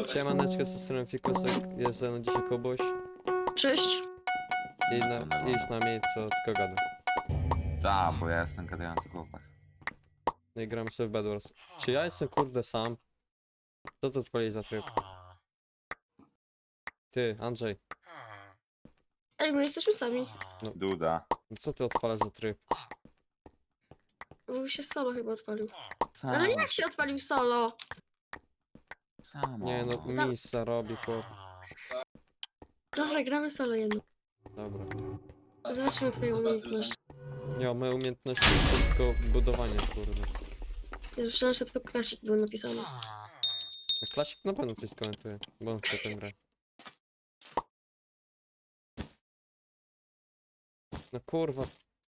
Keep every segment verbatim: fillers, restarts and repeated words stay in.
Siemaneczko, z tej strony Fikusek, jest ze mną dzisiaj Kubuś Cześć. i, na, i z nami co tylko gada. Tak, bo ja jestem gadający chłopak. No i gramy sobie w Bed Wars. Czy ja jestem kurde sam? Co to odpali za tryb? Ty, Andrzej, Ej, my jesteśmy sami. Duda. no co ty odpalasz za tryb? Bo się solo chyba odpalił. Samo, Ale jak się odpalił solo? samo. Nie no, misa robi chłop. Dobra, gramy solo jedno. Dobra. Zobaczymy twoją umiejętność. Nie, moje umiejętności to tylko budowanie kurde. Ja słyszałem, że to klasik był napisany. No, Klasik na pewno coś skomentuje, bo on chce tę grę. No kurwa.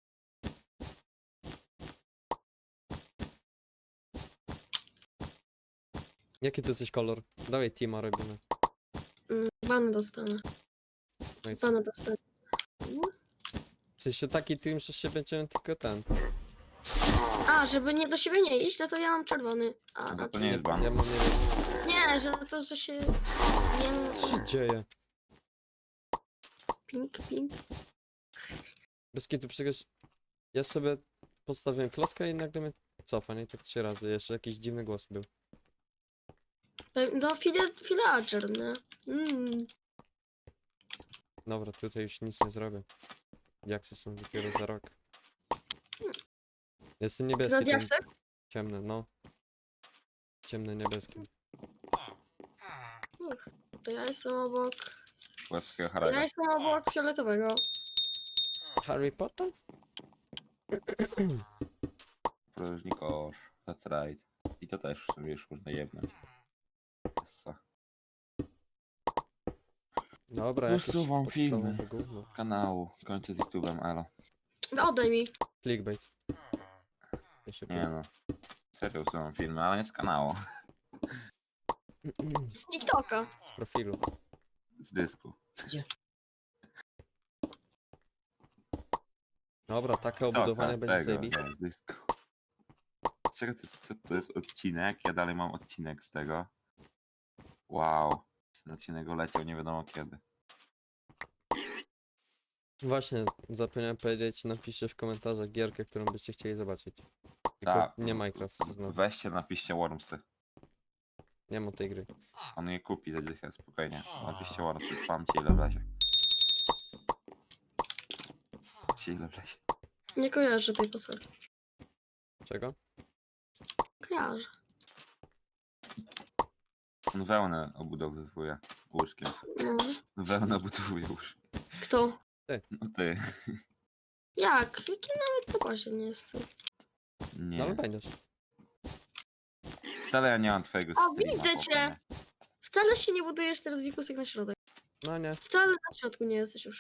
Jaki ty jesteś kolor? Dawaj teama robimy. Mm, Bana dostanę. No i co? Bana dostanę. Mm. W sensie taki team, że się będziemy tylko ten. A, żeby nie do siebie nie iść, no to ja mam czerwony. A, No to dobrze. nie jest ban. Ja mam niebieski. Nie, że to, że się... Nie, Co się dzieje? pink, pink. Bez kitu, przecież ja sobie postawiłem klocka i nagle mnie cofa, nie? Tak trzy razy. Jeszcze jakiś dziwny głos był. No, file, villager, nie? Mm. Dobra, tutaj już nic nie zrobię. Jak są dopiero za rok. Jestem Na niebieski, ten diaksach? ciemny, no. Ciemny niebieski. To ja jestem obok... Łebskiego Ja Harego. jestem obok fioletowego. Harry Potter? Próżnikosz. That's right. I to też w sumie już można jebnąć. Co? Dobra, jakieś Usuwam podstawowe filmy. gówno. Kanału. Kończę z YouTube'em, elo. No, oddaj mi. Clickbait. Ja się Nie no. Serio usuwam filmy, ale nie z kanału. Z TikToka. Z profilu. Z dysku. Dobra, takie TikToka, obudowanie z będzie tego, zajebiste. nie, z dysku. Czego to jest, co to jest odcinek? Ja dalej mam odcinek z tego. Wow. Ten odcinek leciał nie wiadomo kiedy. Właśnie, zapomniałem powiedzieć, napiszcie w komentarzach gierkę, którą byście chcieli zobaczyć. Tylko Tak. nie Minecraft znowu. Weźcie, napiszcie Wormsy. Nie ma tej gry. On je kupi za dychę, spokojnie. Napiszcie Wormsy, spamcie ile wlezie. Napiszcie ile wlezie. Nie kojarzę tej postaci. Czego? Kojarzę. On wełnę obudowywuje łóżkiem. No. Wełnę obudowuje łóżkiem. Kto? No ty. Jak? Jaki nawet na bazie nie jestem. Nie. No ale będziesz. Wcale ja nie mam twojego O, streama, widzę chłopie, cię! nie. Wcale się nie budujesz teraz wikusek na środek. No nie. Wcale na środku nie jesteś już.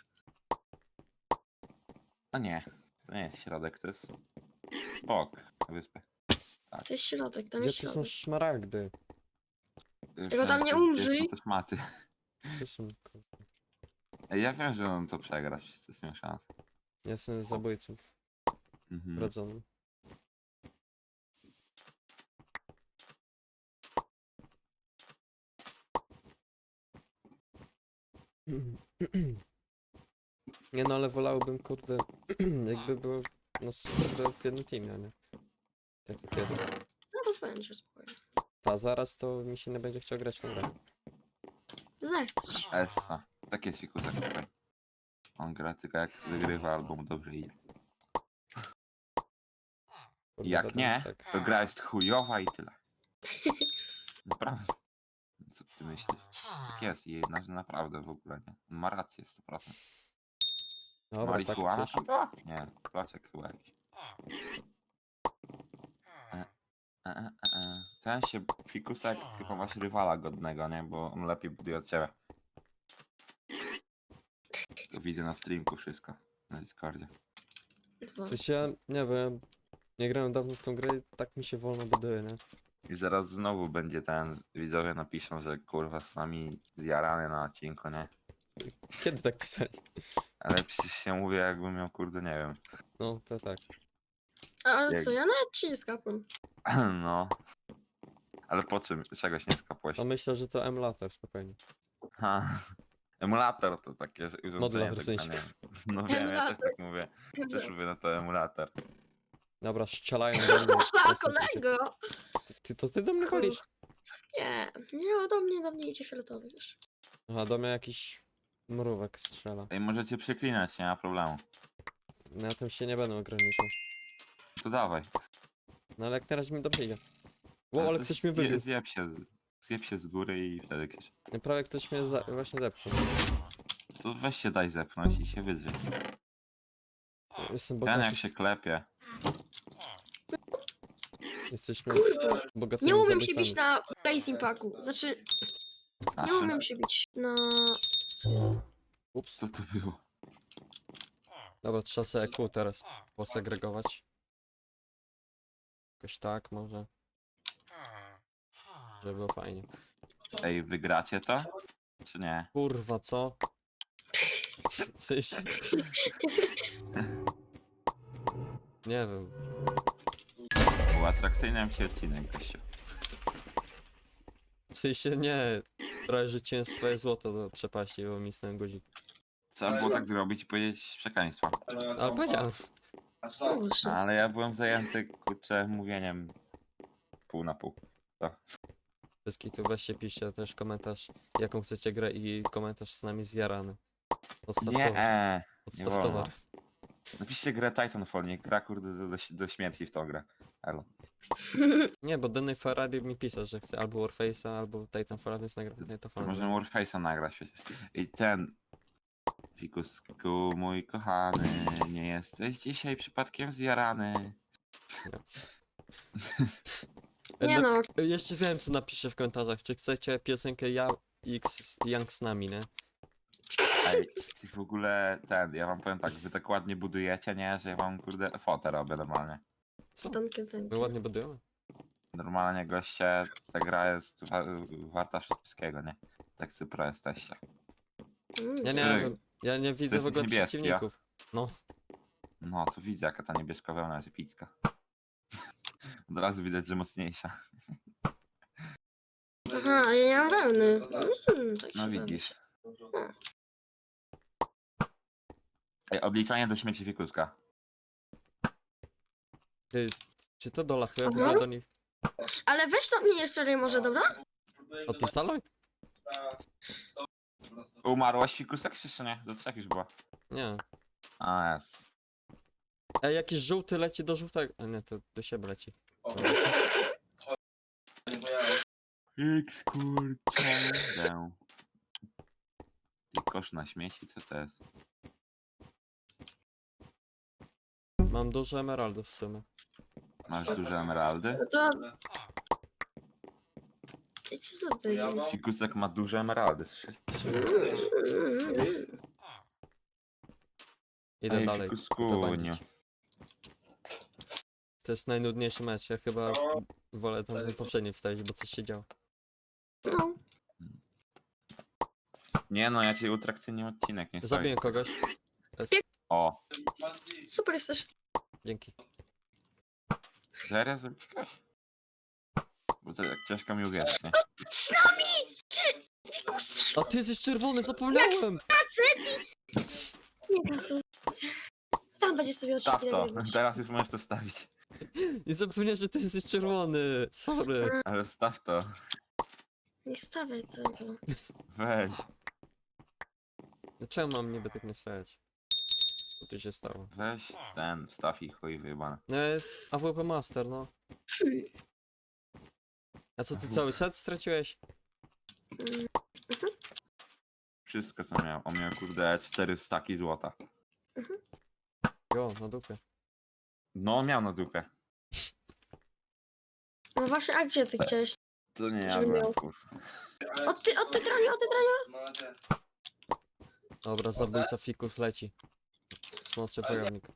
No nie. To nie jest środek, to jest bok wyspy. To jest środek, tam Gdzie jest tu są środek. szmaragdy? Tylko tam nie Gdzie umrzyj. są też maty. Tu są... kurde. Ej, ja wiem, że on to przegra, wszyscy są szans. Ja jestem zabójcą. Mhm. Rodzonym. Nie no, ale wolałbym, kurde, jakby było no, kurde, w jednym teamie, a nie? Tak jak jest. Zaraz będzie spokojnie. A zaraz to mi się nie będzie chciał grać w tę grę. Zechcesz. Essa. Tak jest fikutek tutaj. On gra tylko jak wygrywa albo mu dobrze idzie. Kurde, Jak wiadomo, nie, że tak. to gra jest chujowa i tyle. Naprawdę. Co ty myślisz? Tak jest i na, naprawdę w ogóle nie. On ma rację sto procent. Dobra, tak Marihuana coś. tam była? Nie, placzek chyba jakiś. E, e, e, e. Ten się fikusek chyba masz rywala godnego, nie? Bo on lepiej buduje od ciebie. To widzę na streamku wszystko. Na Discordzie. Dwa. W sensie, ja nie wiem, nie grałem dawno w tą grę i tak mi się wolno buduje, nie? I zaraz znowu będzie ten, widzowie napiszą, że kurwa z nami zjarany na odcinku, nie? Kiedy tak pisali? Ale przecież się mówię jakbym miał kurde, nie wiem. No, to tak. A ale Jak- co, ja nawet ci nie skapłem. No. Ale po czym? Czegoś nie skapłeś? No myślę, że to emulator, spokojnie. Ha. Emulator to takie że urządzenie. Modulator w tak sensie. zwane. No wiem, ja też tak mówię. Też mówię, no to emulator. Dobra, strzelają do mnie. A, Jestem tu, czy- kolego! Ty, ty, to ty do mnie walisz? Nie, nie, do mnie, do mnie idzie fioletowy, wiesz. Aha, do mnie jakiś mrówek strzela. Ej, możecie przeklinać, nie ma problemu. Na tym się nie będę ograniczał. To dawaj. No ale jak teraz mi dobrze idzie. Wow, ale to ktoś mnie zje- wybił. Zjeb się, zjeb się z góry i wtedy krzyż. Prawie ktoś mnie za właśnie zepchnął. To weź się daj zepchnąć i się wydrzeć. Jestem Ten bogaty. jak się klepie. Jesteśmy Kurwa, bogatymi nie umiem się zabójcami. bić na Place Impactu. Znaczy, nie Naszym. umiem się bić na... Ups. Co to było? Dobra, trzeba sobie E Q teraz posegregować. Jakoś tak może. Żeby było fajnie. Ej, wygracie to? Czy nie? Kurwa, co? W sensie... Nie wiem. Uatrakcyjniam się odcinek, gościu. W sensie nie. Prawie rzuciłem swoje złoto do przepaści, bo mi stałem guzik. Trzeba było tak zrobić i powiedzieć przekleństwo. Ale powiedziałem. Boże. Ale ja byłem zajęty, kurczę, mówieniem pół na pół. Bez kitu, weźcie, piszcie też komentarz, jaką chcecie grę i komentarz z nami zjarany. Odstaw Nie, towar. e, Odstaw wolno. towar. Napiszcie grę Titanfall, niech gra kurde do, do, do śmierci w tą grę. Elo. Nie, bo Denny Ferrari mi pisał, że chce albo Warface'a, albo Titanfalla, więc nagra To Titanfalla. możemy Warface'a nagrać przecież. I ten... Fikusku, mój kochany, nie jesteś dzisiaj przypadkiem zjarany. E, Nie no, no, jeszcze wiem, co napiszę w komentarzach. Czy chcecie piosenkę Ja X Young z nami, nie? Ej, ty w ogóle ten, ja wam powiem tak, wy tak ładnie budujecie, nie? Że ja wam kurde fotę robię normalnie. Co? tankę, tankę. My ładnie budujemy. Normalnie goście, ta gra jest wa warta wszystkiego, nie? Tak super jesteście. Mm, Ja nie Ty- wiem. Ja nie widzę w jesteś ogóle niebieski, przeciwników. No, No, to widzę jaka ta niebieska wełna jest epicka. Od razu widać, że mocniejsza. Aha, a ja nie mam wełny. Mm, tak No się widzisz. Ej, odliczanie do śmieci Fikuska. czy to dolatuje w Aha. ogóle do nich? robi. Ale weź to mnie jeszcze raz może, dobra? Odinstaluj? Umarłaś Fikusek czy nie? Do trzech już była. Nie. A, jest. Ej, jakiś żółty leci do żółtego. A nie, to do siebie leci. X kurczę. Ty kosz na śmieci, co to jest? Mam dużo emeraldów w sumie. Masz duże emeraldy? No to... I co za ty? Fikusek ma duże emeraldy. słyszeliście? Idę Ej, dalej. Fikusku, to nie. bandzić. To jest najnudniejszy mecz. Ja chyba wolę tam ten poprzedni wstawić, bo coś się działo. No, Nie no, ja cię utrakcyjnie odcinek nie Zabiję stoi. kogoś. Jest. O, super jesteś. Dzięki. serio zrobisz kogoś? Bo to jak ciężko mi uwierzyć, nie? Z nami! Czy... Fikus! A ty jesteś czerwony, zapomniałem! Nie gazu. Sam będziesz sobie Staw oczy to, nagrywać. teraz już możesz to wstawić. Nie zapomniałem, że ty jesteś czerwony. Sorry. Ale staw to, Nie stawiaj tego. weź. Czemu mam niby tak nie wstawiać? Co tu się stało? Weź ten, wstaw i chuj wyjebane. No jest A W P Master, no. A co ty cały set straciłeś? Mm, Wszystko co miał. On miał kurde cztery staki złota. Jo, na dupie. No miał na dupę. No właśnie, a gdzie ty chciałeś? To nie ja Żeby byłem, miał. kurwa. Od ty, od ty grania, od ty grania? Dobra, zabójca fikus leci. Smoczy wojownik.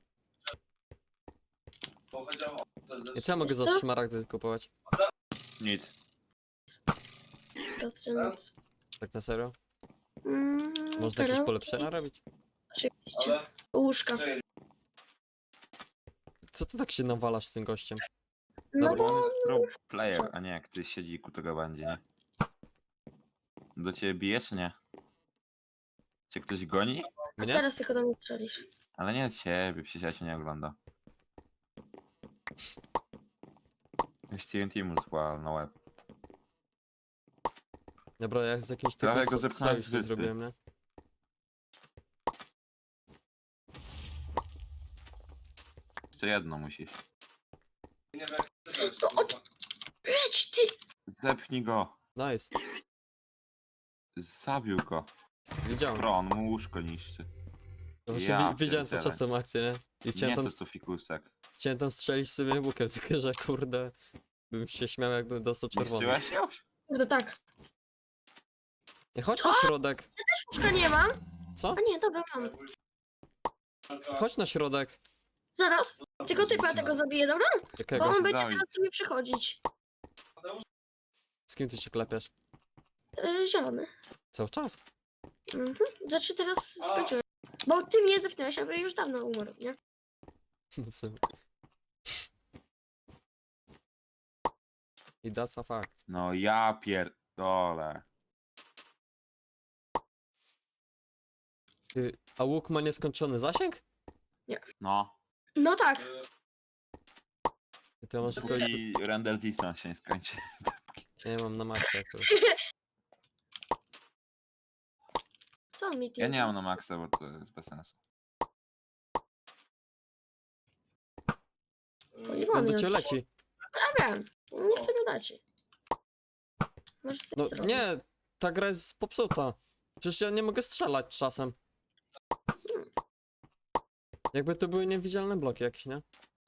I co ja mogę za Co? szmaragdy kupować? Nic. Patrzę nic. Tak na serio? Mm, Można jakieś perełki? polepszenia robić? Oczywiście. Łóżka. Co ty tak się nawalasz z tym gościem? No Dobra. bo On jest pro player, a nie jak ty siedzi ku tego będzie, nie? Do ciebie bije, czy nie? Cię ktoś goni? Mnie? teraz tylko do mnie strzelisz. Ale nie ciebie, przecież ja cię nie ogląda. Już T N T mu zła na łeb. Dobra, jak z jakimś Prawie typem go so- zepchnąłem sojusz z nie wyspy. zrobiłem, nie? Jeszcze jedno musisz. No od... Leć ty! Zepchnij go. Nice. Zabił go. Widziałem. Pro, on mu łóżko niszczy. No właśnie Ja wi widziałem co pierdzielę. czas tą akcję, nie? I Nie chciałem tam, to to fikusek. chciałem tam strzelić sobie łukiem, tylko że kurde... Bym się śmiał jakbym dostał czerwony. Niszczyłeś już? Kurde, tak. Nie, chodź na środek. Też łóżka nie mam. Co? A nie, dobra, mam. Chodź na środek. Zaraz. Tylko typa tego zabiję, dobra? Bo Jakiego? on będzie Zabić. teraz do mnie przychodzić. Z kim ty się klepiesz? Yy, zielony. Cały czas? Mhm. Znaczy teraz skończyłem. Bo ty mnie zepnąłeś, aby już dawno umarł, nie? No w sumie. I that's a fact. No ja pierdolę. Ty, a łuk ma nieskończony zasięg? No. No tak. I to ja może kogoś... I render distance się nie skończy. Nie mam na maksa akurat. Co on mi ty? Ja nie mam na maksa, bo to jest bez sensu. On do ciebie leci. Ja wiem. Nie chcę go dać. Może coś No zrobić. nie, ta gra jest popsuta. Przecież ja nie mogę strzelać czasem. Jakby to były niewidzialne bloki jakieś, nie?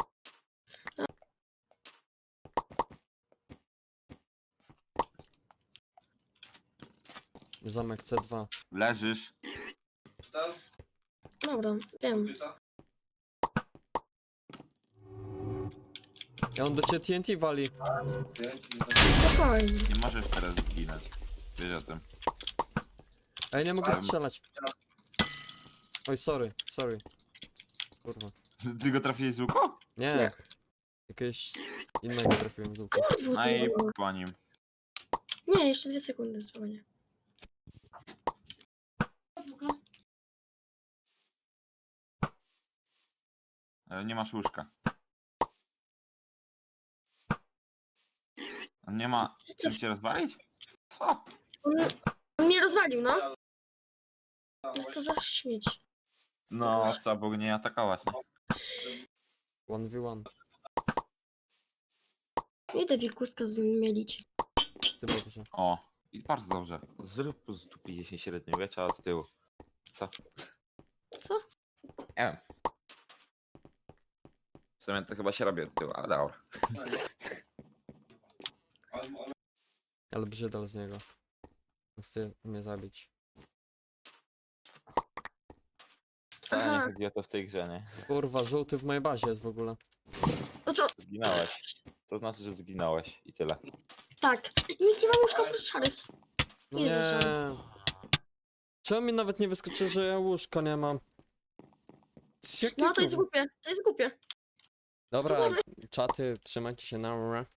Zamek C dwa. Leżysz. Dobra, wiem. Ja on do ciebie T N T wali. Spokojnie. Nie możesz teraz zginąć. Wiesz o tym. A ja nie mogę Ale- strzelać. Oj, sorry, sorry. Kurwa. Ty go trafiłeś z łuku? Nie. Nie. Jakiegoś innego trafiłem z łuku. Kurwa, No i to- po nim. Nie, jeszcze dwie sekundy spokojnie. Ale nie masz łóżka. On nie ma czym cię rozwalić? Co? On, on mnie rozwalił, no. No co za śmieć. No co, bo go nie atakować, nie? jeden v jeden. Idę wikuska z nim mielić. Ty dobrze. O, i bardzo dobrze. Zrób z tu pięćdziesiąt średniowiecza od tyłu. Co? Co? Nie wiem. W sumie to chyba się robi od tyłu, ale dobra. Ale brzydal z niego. Chce mnie zabić. Wcale Aha. nie chodzi o to w tej grze, nie? Kurwa, żółty w mojej bazie jest w ogóle. No to Zginąłeś. To znaczy, że zginąłeś i tyle. tak. I nikt nie ma łóżka oprócz szarych. No Nie nie. da Czemu mi nawet nie wyskoczy, że ja łóżka nie mam? Z jakiego No to jest powodu? głupie. To jest głupie. Dobra, czaty, trzymajcie się na